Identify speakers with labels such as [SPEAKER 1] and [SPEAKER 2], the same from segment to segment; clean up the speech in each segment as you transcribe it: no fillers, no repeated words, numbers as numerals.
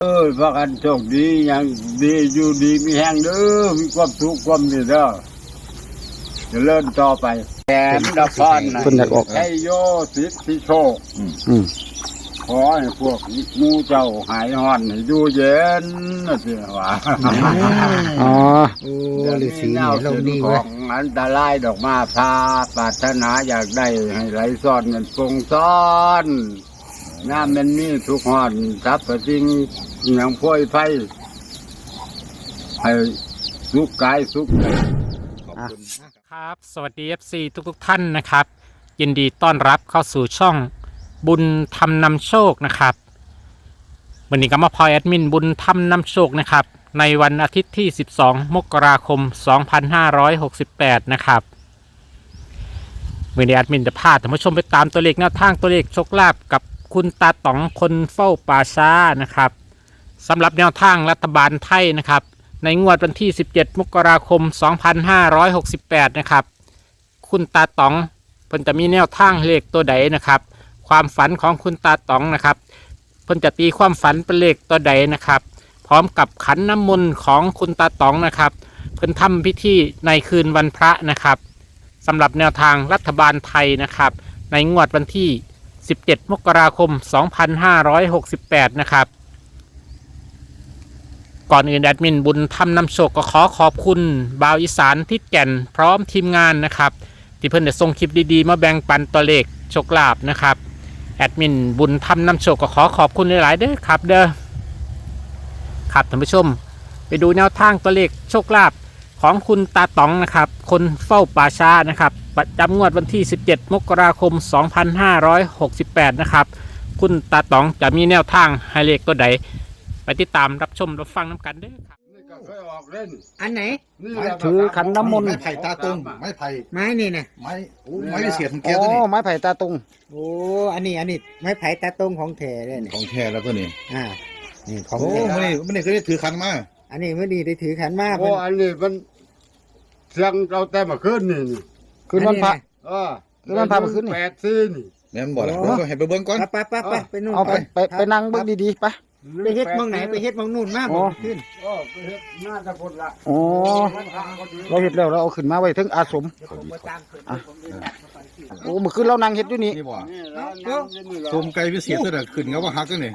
[SPEAKER 1] พากันโชคดีอย่างดีอยู่ดีมีแห้งเด้อมีความสุขความนี่เด้อจะเลื่อนต่อไปแถมดาพรนะใช้โยสิทธิโชคขอให้พวกมูเจ้าหายห่อนให้ดูเย็นนะสิว่า
[SPEAKER 2] อ๋อ
[SPEAKER 1] ฤาษีเราดีของอันตรายดอกมาพาปรารถนาอยากได้ให้ไหลซ้อนเงินปงซ้อนน้ำมันมีทุกหอนทับกระจิงอย่างพ่อยไฟให้สุขกายสุขใจ
[SPEAKER 3] ครับสวัสดี FC ทุกท่านนะครับยินดีต้อนรับเข้าสู่ช่องบุญธรรมนำโชคนะครับวันนี้ก็มาพลอยแอดมินบุญธรรมนำโชคนะครับในวันอาทิตย์ที่12 มกราคม 2568นะครับวันนี้แอดมินจะพาท่านผู้ชมไปตามตัวเลขแนวทางตัวเลขโชคลาภกับคุณตาต๋องคนเฝ้าป่าช้านะครับสำหรับแนวทางรัฐบาลไทยนะครับในงวดวันที่17 มกราคม 2568นะครับคุณตาต๋องเพิ่นจะมีแนวทางเลขตัวใดนะครับความฝันของคุณตาต๋องนะครับเพิ่นจะตีความฝันเป็นเลขตัวใดนะครับพร้อมกับขันน้ำมนต์ของคุณตาต๋องนะครับเพิ่นทำพิธีในคืนวันพระนะครับสำหรับแนวทางรัฐบาลไทยนะครับในงวดวันที่17 มกราคม 2568นะครับก่อนอื่นแอดมินบุญธรรมนำโชคก็ขอบคุณบ่าวอีสานทิศแก่นพร้อมทีมงานนะครับที่เพิ่นได้ส่งคลิปดีๆมาแบ่งปันตัวเลขโชคลาภนะครับแอดมินบุญธรรมนำโชคก็ขอบคุณหลายๆเด้อครับเด้อครับท่านผู้ชมไปดูแนวทางตัวเลขโชคลาภของคุณตาต๋องนะครับคนเฝ้าป่าช้านะครับประจำงวดวันที่17 มกราคม 2568นะครับคุณตาต๋องจะมีแนวทางให้เลขตัวใดไปติดตามรับชมรับฟังน้ำกันเด้อครับ
[SPEAKER 1] นี่ก็เคยออกเล่น
[SPEAKER 4] อันไหน
[SPEAKER 2] ถือขันน้ำมนต์
[SPEAKER 5] ไม้ไผ่ตาตรงไม้ไผ่
[SPEAKER 4] ไม้นี่นะ
[SPEAKER 5] ไม้ไม้พิเศษของแก
[SPEAKER 2] อ๋
[SPEAKER 5] ตัวนี้
[SPEAKER 2] อไม้ไผ่ตาตรง
[SPEAKER 4] โอ้อันนี้ไม้ไผ่ตาตรงของแท้เลยนี่
[SPEAKER 5] ของแท้แล้วตัวนี้
[SPEAKER 4] นี่ของ
[SPEAKER 5] โอ้
[SPEAKER 4] แท้
[SPEAKER 5] ไม่ได้เคยได้ถือคันมา
[SPEAKER 4] อันนี้เมื่อดีได้ถือขันมา
[SPEAKER 1] โอ้อันนี้มันเสียงเราแต่มาขึ้นนี่
[SPEAKER 2] คืนวันพระ
[SPEAKER 1] คือมันพามาขึ้นนี่8 4นี่
[SPEAKER 5] แม่นบอกแล้วก็ให้ไปเบิ้งก่อน
[SPEAKER 4] ไปนู่น
[SPEAKER 2] เอาไปนั่งเบิ่งดีๆไป
[SPEAKER 4] ไปเฮ็ดมองไหนไปเฮ็ดมองนู่นมาบ่ขึ้น
[SPEAKER 1] ไปเฮ็ดหน้าตะพดละ
[SPEAKER 2] อ๋อเราเห็ดแล้วเราเอาขึ้นมาไว้ถึงอาสมโอ้เมื่อคืนเรานั่งเห็ดอยู่นี่
[SPEAKER 5] นี่บ่
[SPEAKER 1] นี่แล้วนั่งอยู่นี่แล้ว
[SPEAKER 5] ชมไก่พิเศษตัวนี้ขึ้นเขาว่าฮักตัวนี้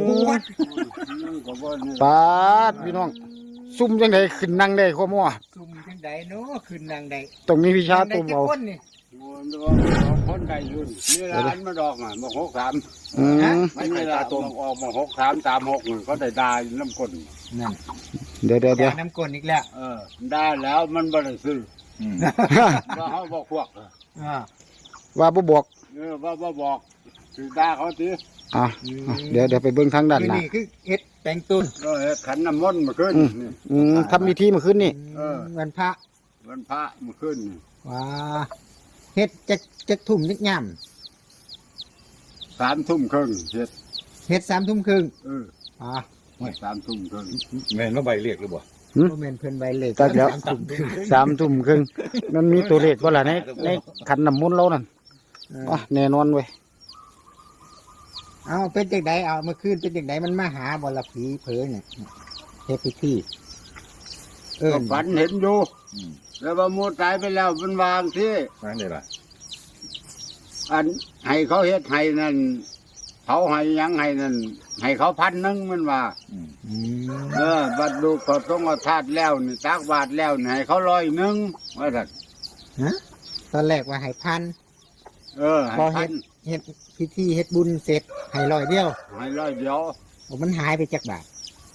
[SPEAKER 2] ปาดพี่น้องซุ่มจังไดขึ้นนั่งได้ข้อมั่ว
[SPEAKER 4] ซุ่มจังไดเนาะขึ้นนางใด
[SPEAKER 2] ต้องมีวิชาตัวเบา
[SPEAKER 1] คนใดยุ่นนี่ร้านมาดอกอ่ะมา63
[SPEAKER 5] ไม้ไผ่ตาตรง
[SPEAKER 1] ออกมา63 36เขาได้ได้น้ำก้น
[SPEAKER 4] นั่น
[SPEAKER 2] เดี๋ยว
[SPEAKER 4] น้ำก้นอีกแล้ว
[SPEAKER 1] ได้แล้วมันบ่ได้ซื้อว่าเขาบอกพวก
[SPEAKER 2] ว่าบ่บอก
[SPEAKER 1] ว่าบอกถือด่าเขาที
[SPEAKER 2] เดี๋ยวไปเบิ่งทางด้านหน้า
[SPEAKER 4] นี่คือเฮ็ดแปลงต้น
[SPEAKER 1] ขันน้ำมนต์มาขึ้น
[SPEAKER 2] ทำพิธีเมื่อคืนนี่
[SPEAKER 4] วันพระ
[SPEAKER 1] วันพระมาขึ้น
[SPEAKER 4] ว้าเฮ็ดจะทุ่มนิดย่
[SPEAKER 1] ำ3 ทุ่มครึ่ง
[SPEAKER 4] เฮ็ด3 ทุ่มครึ่ง
[SPEAKER 1] 3 ทุ่มครึ่ง
[SPEAKER 5] แม่นว่าใบเรียกหรือบ่
[SPEAKER 4] บ่แม่นเพิ่นใบเลข
[SPEAKER 2] ก็แล้ว3 ทุ่มครึ่งมันมีตัวเลขบ่ล่ะในขันน้ำมนต์เรานั่นแน่นอนเว้ย
[SPEAKER 4] เอาเป็นจังไดเอาเมื่อคืนเป็นจังไดมันมาหาบ่ละผีเผยเนี่ยเฮ็ดพิธี
[SPEAKER 1] ฝันเห็นอยู่แล้วว่ามูตายไปแล้วมันวางที่
[SPEAKER 5] นั่นเลยล่ะ
[SPEAKER 1] อันให้เขาเฮ็ดให้นั่นเขาให้ยังให้นั่นให้เขา1,000มันว่าบัดดูเขาต้องเอาธาตุแล้วนี่ตักบาทแล้วนี่ให้เขา100ว่าซั่น
[SPEAKER 4] ตอนแรกว่าให้พัน
[SPEAKER 1] ให้
[SPEAKER 4] พันเฮ็ดพิธีเฮ็ดบุญเสร็จให้100เดียว
[SPEAKER 1] ให้100เดียว
[SPEAKER 4] มันหายไปจักบาท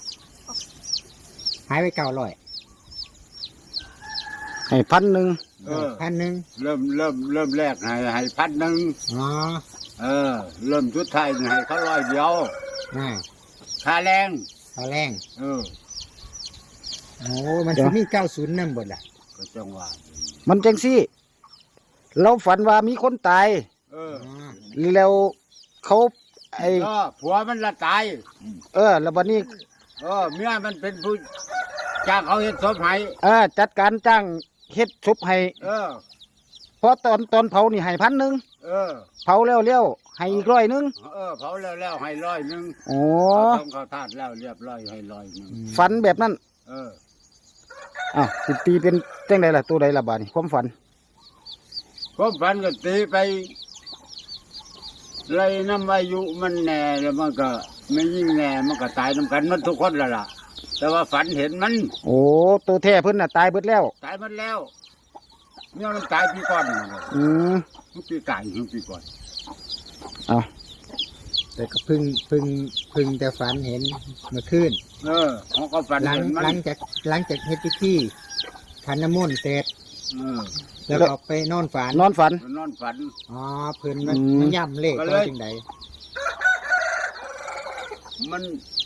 [SPEAKER 4] หายไป900
[SPEAKER 2] ให้1,000
[SPEAKER 4] 1,000
[SPEAKER 1] เริ่มแรกให้1,000เริ่มสุดท้ายให้เขา100เดียวค่าแรง
[SPEAKER 4] โอ้มันสิมี90นำบ่ล่ะ
[SPEAKER 1] ก็จังว่า
[SPEAKER 2] มันจังซี่เราฝันว่ามีคนตายแล้วเขา
[SPEAKER 1] ผัวมันละตาย
[SPEAKER 2] แล้วบัดนี้
[SPEAKER 1] เมียมันเป็นผู้จ้างเขาเฮ็ดศพให้
[SPEAKER 2] จัดการจ้างเฮ็ดศพให้เพราะตอนเผานี่ให้1,000เผาแล้วให้อีกร้อยหนึง
[SPEAKER 1] เผาแล้วให้100
[SPEAKER 2] โอ้
[SPEAKER 1] ต้องเขาธาตุแล้วเรียบร้อยให้100
[SPEAKER 2] ฝันแบบนั้นอ้าวสิตีเป็นจังไดล่ะตัวใดล่ะบาดนี้ความฝัน
[SPEAKER 1] ความฝันก็ตีไปไล่น้ำอายุมันแน่แล้วมันก็ไม่ยิ่งแน่มันก็ตายน้ำกันมันทุกคนแล้วล่ะ แต่ว่าฝันเห็นมัน
[SPEAKER 2] โอ้ตัวแท้เพิ่นน่ะตายเบิดแล้ว
[SPEAKER 1] ตายมันแล้วเนี่ยมันตายปีก่อนนั่นแหละ
[SPEAKER 2] อืม
[SPEAKER 1] มันปีก่ายมันปีก่อน
[SPEAKER 4] แต่ก็เพึ่งแต่ฝันเห็นเมื่อคืน
[SPEAKER 1] เขาก็ฝัน
[SPEAKER 4] หลัง
[SPEAKER 1] เห็นมัน
[SPEAKER 4] หลังจากเฮ็ดพิธีขันน้ำมนต์เสร็จ
[SPEAKER 1] เออ
[SPEAKER 4] แล้วก็ไปนอนฝัน
[SPEAKER 2] นอนฝัน
[SPEAKER 1] มันนอนฝัน
[SPEAKER 4] อ๋อเพิ่นมัน
[SPEAKER 2] อืม
[SPEAKER 4] มันย่ำเลข
[SPEAKER 1] ก็เลย
[SPEAKER 4] ว่าจังใด
[SPEAKER 1] มัน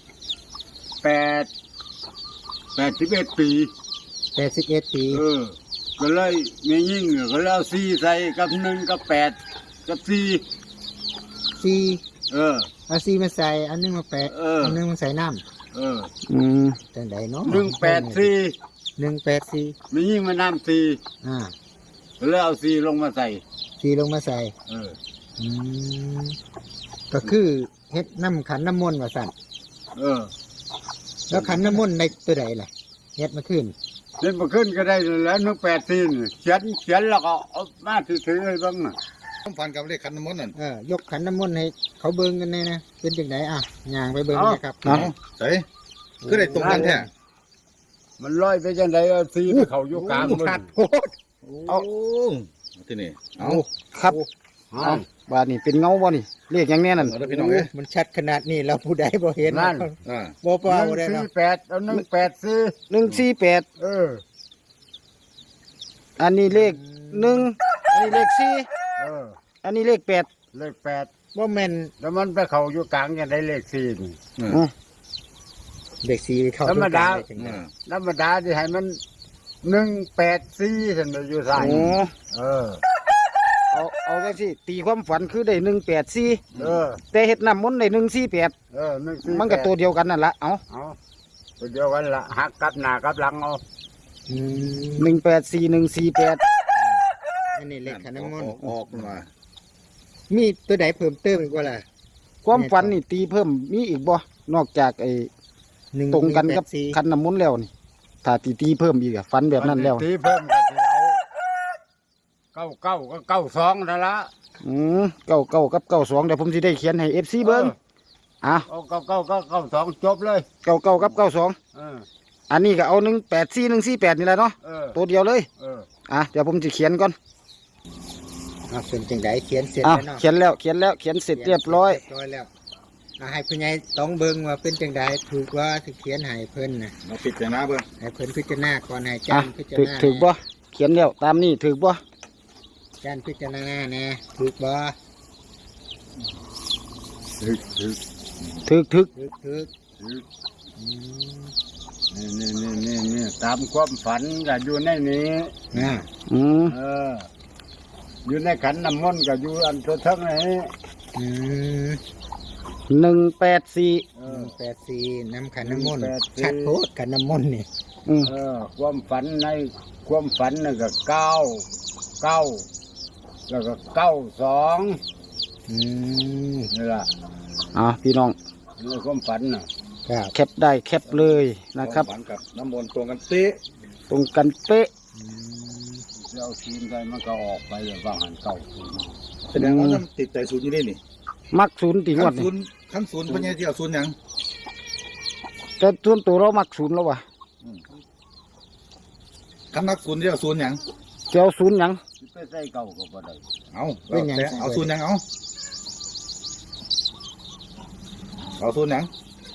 [SPEAKER 1] 81 ปี
[SPEAKER 4] 81 ปี
[SPEAKER 1] ก็เลยไม่ยิ่งก็เลยเอา4ใส่กับ1กับ8กับ4
[SPEAKER 4] 4 เอา4มาใส่อันนึงมาแปะ
[SPEAKER 1] เอออั
[SPEAKER 4] อันนึงมาใส่น้
[SPEAKER 2] อืม
[SPEAKER 4] ำจังใดเนาะ
[SPEAKER 1] 184
[SPEAKER 4] 184
[SPEAKER 1] ไม่ยิ่งมาน้ำ4
[SPEAKER 4] อ่า
[SPEAKER 1] ก็เลยเอา4ลงมาใส่
[SPEAKER 4] 4ลงมาใส่ อืมก็คือเฮ็ดน้ำขันน้ำมนต์ว่าสั่น แล้วขันน้ำมนต์ในตัวใดล่ะเฮ็ดมาขึ้น
[SPEAKER 1] เล่นมาขึ้นก็ได้แล้ว184นี่เขียนแล้วก็เอามาถือให้บ้างน่ะ
[SPEAKER 5] ผมฝันกับเลขขันน้ำมนต์นั่น
[SPEAKER 4] ยกขันน้ำมนต์ให้เขาเบิ่งกันแน่นะเป็นจังไดอ่ะย่างไปเบิ่งนะครับ
[SPEAKER 2] เนาะ
[SPEAKER 5] ใส่คือได้ตรงกันแท้
[SPEAKER 1] มันลอยไปจังไดเอาซีไปเขาอยู่กลางมัน
[SPEAKER 4] ขาดโพด
[SPEAKER 5] โอ้ที่นี่เอา
[SPEAKER 2] ครับ
[SPEAKER 1] เอา
[SPEAKER 2] เอาบาดนี้เป็นเงาบ่นี่เลขหยังแน่นั่น
[SPEAKER 5] เอาเด้อพี่น้องเอ้ย
[SPEAKER 4] มันชัดขนาดนี้แล้วผู้ใดบ่เห็น
[SPEAKER 1] นั่น
[SPEAKER 5] อ่า
[SPEAKER 4] บ่เปล่าได้
[SPEAKER 1] 148
[SPEAKER 4] เนาะ
[SPEAKER 1] เอา184
[SPEAKER 2] 148อันนี้เลข1อันนี้เลข4อันนี้เลข8
[SPEAKER 1] เลข8
[SPEAKER 4] บ่แม่น
[SPEAKER 1] แล้วมันไปเขาอยู่กลางจังไดเลข4นี่
[SPEAKER 4] เด็กสีเข้า
[SPEAKER 1] ธรรมดา
[SPEAKER 4] ด้วยกันได้จังได
[SPEAKER 1] ธรรมดาที่ให้มัน184ซั่นน่ะอยู่ซ้าย
[SPEAKER 2] โอ้
[SPEAKER 1] เออ
[SPEAKER 2] จังซี่ตีความฝันคือได้184
[SPEAKER 1] เออ
[SPEAKER 2] แต่เฮ็ดน้ำมนต์ได้148
[SPEAKER 1] 148
[SPEAKER 2] มันก็ตัวเดียวกันนั่นล่ะเอา
[SPEAKER 1] เอาตัวเดียวกันละหักกลับหน้ากลับหลังเอา
[SPEAKER 4] อืม
[SPEAKER 2] 184 148
[SPEAKER 4] อันนี้เลขขันน้ำมนต์
[SPEAKER 5] ออกมา
[SPEAKER 4] มีตัวใดเพิ่มเติมอีกบ่ล่ะ
[SPEAKER 2] ความฝันนี่ตีเพิ่มมีอีกบ่นอกจากไอ้
[SPEAKER 4] 1
[SPEAKER 2] ตรงกันกับ
[SPEAKER 4] 184
[SPEAKER 2] คันน้ำมนต์แล้วนี่ถ้าตีเพิ่มอีกอะฝันแบบนั้นแล้ว
[SPEAKER 1] ทีเพิ่มก็สิเอา99ก็92นั่นละ
[SPEAKER 2] 99กับ92เดี๋ยวผมสิได้เขียนให้ FC เบิ่งอ่ะ
[SPEAKER 1] เอา99ก็92จบเลย
[SPEAKER 2] 99กับ92
[SPEAKER 1] เออ
[SPEAKER 2] อันนี้ก็เอา184 148นี่แหละเนาะ
[SPEAKER 1] เออ
[SPEAKER 2] ตัวเดียวเลย
[SPEAKER 1] เออ
[SPEAKER 2] อ่ะเดี๋ยวผมจะเขียนก่อน
[SPEAKER 4] เป็นจังไดเขียนเสร็จ
[SPEAKER 2] อ่ะ
[SPEAKER 4] แล้วเนาะ
[SPEAKER 2] เขียนแล้วเขียนเสร็จเรียบร้อย
[SPEAKER 4] เรียบร้อยแล้วให้ผู้ใหญ่ต้องเบิ่งว่าเป็นจังไดถูกว่าสิเขียนให้เพิ่นน่ะ
[SPEAKER 5] เราปิดแต่หน้าเบิ่ง
[SPEAKER 4] ให้เพิ่นพิจารณาก่อนให้จา
[SPEAKER 2] อ่ะ
[SPEAKER 4] นพิจาร
[SPEAKER 2] ถึก
[SPEAKER 4] ณา
[SPEAKER 2] ถึกบ่เขียนแล้วตามนี้ถึกบ่
[SPEAKER 4] จานพิจารณาแน่ถูกบ่
[SPEAKER 1] ถึก
[SPEAKER 2] ถึก
[SPEAKER 4] ถูก อืม
[SPEAKER 1] นี่ตามความฝันก็อยู่ในนี้
[SPEAKER 4] อ่า
[SPEAKER 2] อืม
[SPEAKER 1] เออ อยู่ในขันน้ำมนต์ก็อยู่อันตัวเทั้งนี้
[SPEAKER 4] อืม
[SPEAKER 2] 184
[SPEAKER 1] เออ
[SPEAKER 4] 84น้ำขันน้ำมนต์
[SPEAKER 1] 184
[SPEAKER 4] ชัดโพดขันน้ำมนต์นี่
[SPEAKER 2] อืม
[SPEAKER 1] ความฝันในความฝันน่ะก็9แล้วก็92
[SPEAKER 4] อืม
[SPEAKER 1] นี่ล่ะ
[SPEAKER 2] อ่ะพี่น้อง
[SPEAKER 1] ในความฝันน่ะ
[SPEAKER 4] ครับ
[SPEAKER 2] แคปได้แคปเลยนะครับ
[SPEAKER 5] ฝันกับน้ำมนต์ตรงกันเป๊ะ
[SPEAKER 2] ตรงกันเป๊ะ
[SPEAKER 4] อืม
[SPEAKER 1] เจ้าทีมใดมันก็ออกไปอย่างว่าหันเก่า
[SPEAKER 5] แสดงว่าท่านติดใจศูนย์อยู่นี่นี่
[SPEAKER 2] มักศูนย์ตีงว
[SPEAKER 5] ขั้
[SPEAKER 2] ด
[SPEAKER 5] น
[SPEAKER 2] นี่
[SPEAKER 5] ศูนย์ขั้นศูนย์เพิ่นยังที่เอาศูนย์หยัง
[SPEAKER 2] แต่ส่วนตัวเรามักศูนย์แล้ววะ
[SPEAKER 5] ขั้นนักศูนย์ที่เอาศูนย์หยัง
[SPEAKER 2] จะเอาศูนย์หยัง
[SPEAKER 1] สิไปใส่เก่าก็บ่ได้
[SPEAKER 5] เอาแต่เอาศูนย์หยังเอาศูนย์หยัง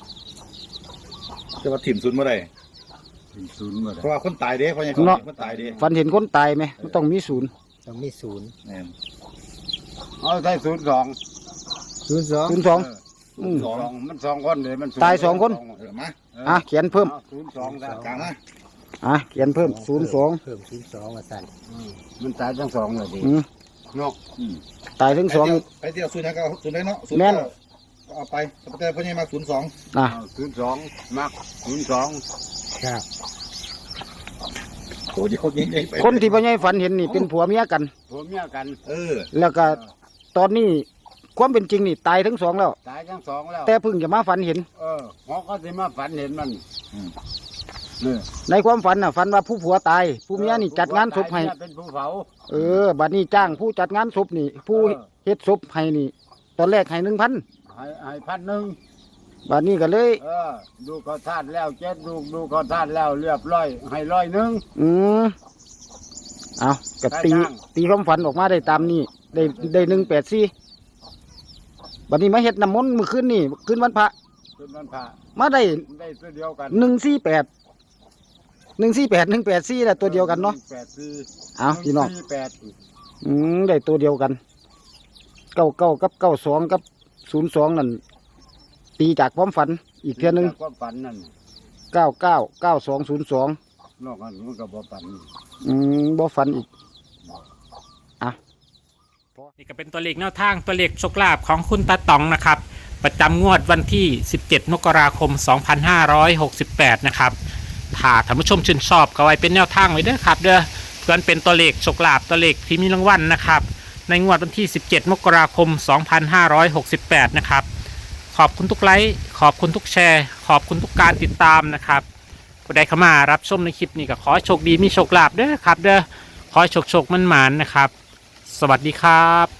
[SPEAKER 5] จะมาถิ่มศูนย์เมื่อไร
[SPEAKER 1] ถึงศูนย์บ่
[SPEAKER 5] เพ
[SPEAKER 1] ได้
[SPEAKER 5] ราะว่าคนตายเด้เพราะยังคนตายเด้
[SPEAKER 2] ฝันเห็นคนตายไหมมันต้องมีศูนย์
[SPEAKER 4] ต้องมีศูนย์
[SPEAKER 5] แม่น
[SPEAKER 1] เอาใส่02
[SPEAKER 4] 02
[SPEAKER 2] 02
[SPEAKER 1] 02มัน2คนเด้มัน
[SPEAKER 2] ตาย2คน
[SPEAKER 5] มา
[SPEAKER 2] อ่ะเขียนเพิ่ม
[SPEAKER 1] 02ซะ
[SPEAKER 5] กลางมา
[SPEAKER 2] อ่ะเขียนเพิ่ม
[SPEAKER 4] เพิ่ม02ว่าซั่น
[SPEAKER 1] มันตายทั้ง2เลยดิ
[SPEAKER 2] 02อืม
[SPEAKER 1] เนาะ
[SPEAKER 2] ตายทั้งสอง
[SPEAKER 5] ไปที่เอาศูนย์หยังก็เอาศูนย์ได้เนาะศูนย์
[SPEAKER 2] แม่น
[SPEAKER 5] ก็เอาไปแต่เพราะยังมาศูนย์สอง
[SPEAKER 2] อ่ะ
[SPEAKER 1] 02มัก02
[SPEAKER 4] ครับ
[SPEAKER 5] โอ้ยเขายิงใหญ่ไป
[SPEAKER 2] คนที่พ่อใหญ่ฝันเห็นนี่เป็นผัวเมียกัน
[SPEAKER 1] ผัวเมียกัน
[SPEAKER 5] เออ
[SPEAKER 2] แล้วก็ตอนนี้ความเป็นจริงนี่ตายทั้งสองแล้ว
[SPEAKER 1] ตายทั้งสองแล้ว
[SPEAKER 2] แต่เพิ่งจะมาฝันเห็น
[SPEAKER 1] หมอก็สิมาฝันเห็นมันนี่
[SPEAKER 2] ในความฝันน่ะฝันว่าผู้ผัวตายผู้เมียนี่จัดงานศพให้
[SPEAKER 1] เป็นผู้เผา
[SPEAKER 2] บัดนี้จ้างผู้จัดงานศพนี่ ผู้
[SPEAKER 1] เออ
[SPEAKER 2] เฮ็ดศพให้นี่ ตอนแรกให้1,000
[SPEAKER 1] ให้1,000
[SPEAKER 2] บัดนี้ก็เลย
[SPEAKER 1] ดูเขาทานแล้วเจ็ดดูเขาทานแล้วเรียบร้อยให้100
[SPEAKER 2] อืมเอาก็
[SPEAKER 1] ได้
[SPEAKER 2] ตี
[SPEAKER 1] จ้าง
[SPEAKER 2] ตีความฝันออกมาได้ตามนี้ได้184บัดนี้มาเฮ็ดน้ำมนต์มื้อคืนนี่คืนวันพระ
[SPEAKER 1] ขึ้นมันผ่า
[SPEAKER 2] มาได้
[SPEAKER 1] ได้ตัวเดียวกัน
[SPEAKER 2] 184แหละตัวเดียวกันเนาะ
[SPEAKER 1] 184
[SPEAKER 2] เอาพี่น้อง
[SPEAKER 1] 148
[SPEAKER 2] ได้ตัวเดียวกัน99กับ92กับ02นั่นตีจากความฝันอีกเทื่อนึง
[SPEAKER 1] ความฝันนั่น
[SPEAKER 2] 999202
[SPEAKER 1] นอกนั้นมันก็บ่ฝัน
[SPEAKER 2] บ่ฝันอีก
[SPEAKER 3] นี่ก็เป็นตัวเลขแนวทางตัวเลขโชคลาภของคุณตาต๋องนะครับประจำงวดวันที่ 17 มกราคม 2568 นะครับถ้าท่านผู้ชมชื่นชอบก็ไว้เป็นแนวทางไว้เด้อครับเด้อเพื่อนเป็นตัวเลขโชคลาภตัวเลขที่มีรางวัลนะครับในงวดวันที่ 17 มกราคม 2568 นะครับขอบคุณทุกไลค์ขอบคุณทุกแชร์ขอบคุณทุกการติดตามนะครับผู้ใดเข้ามารับชมในคลิปนี้ก็ขอให้โชคดีมีโชคลาภเด้อครับเด้อขอให้โชคมันหมานนะครับสวัสดีครับ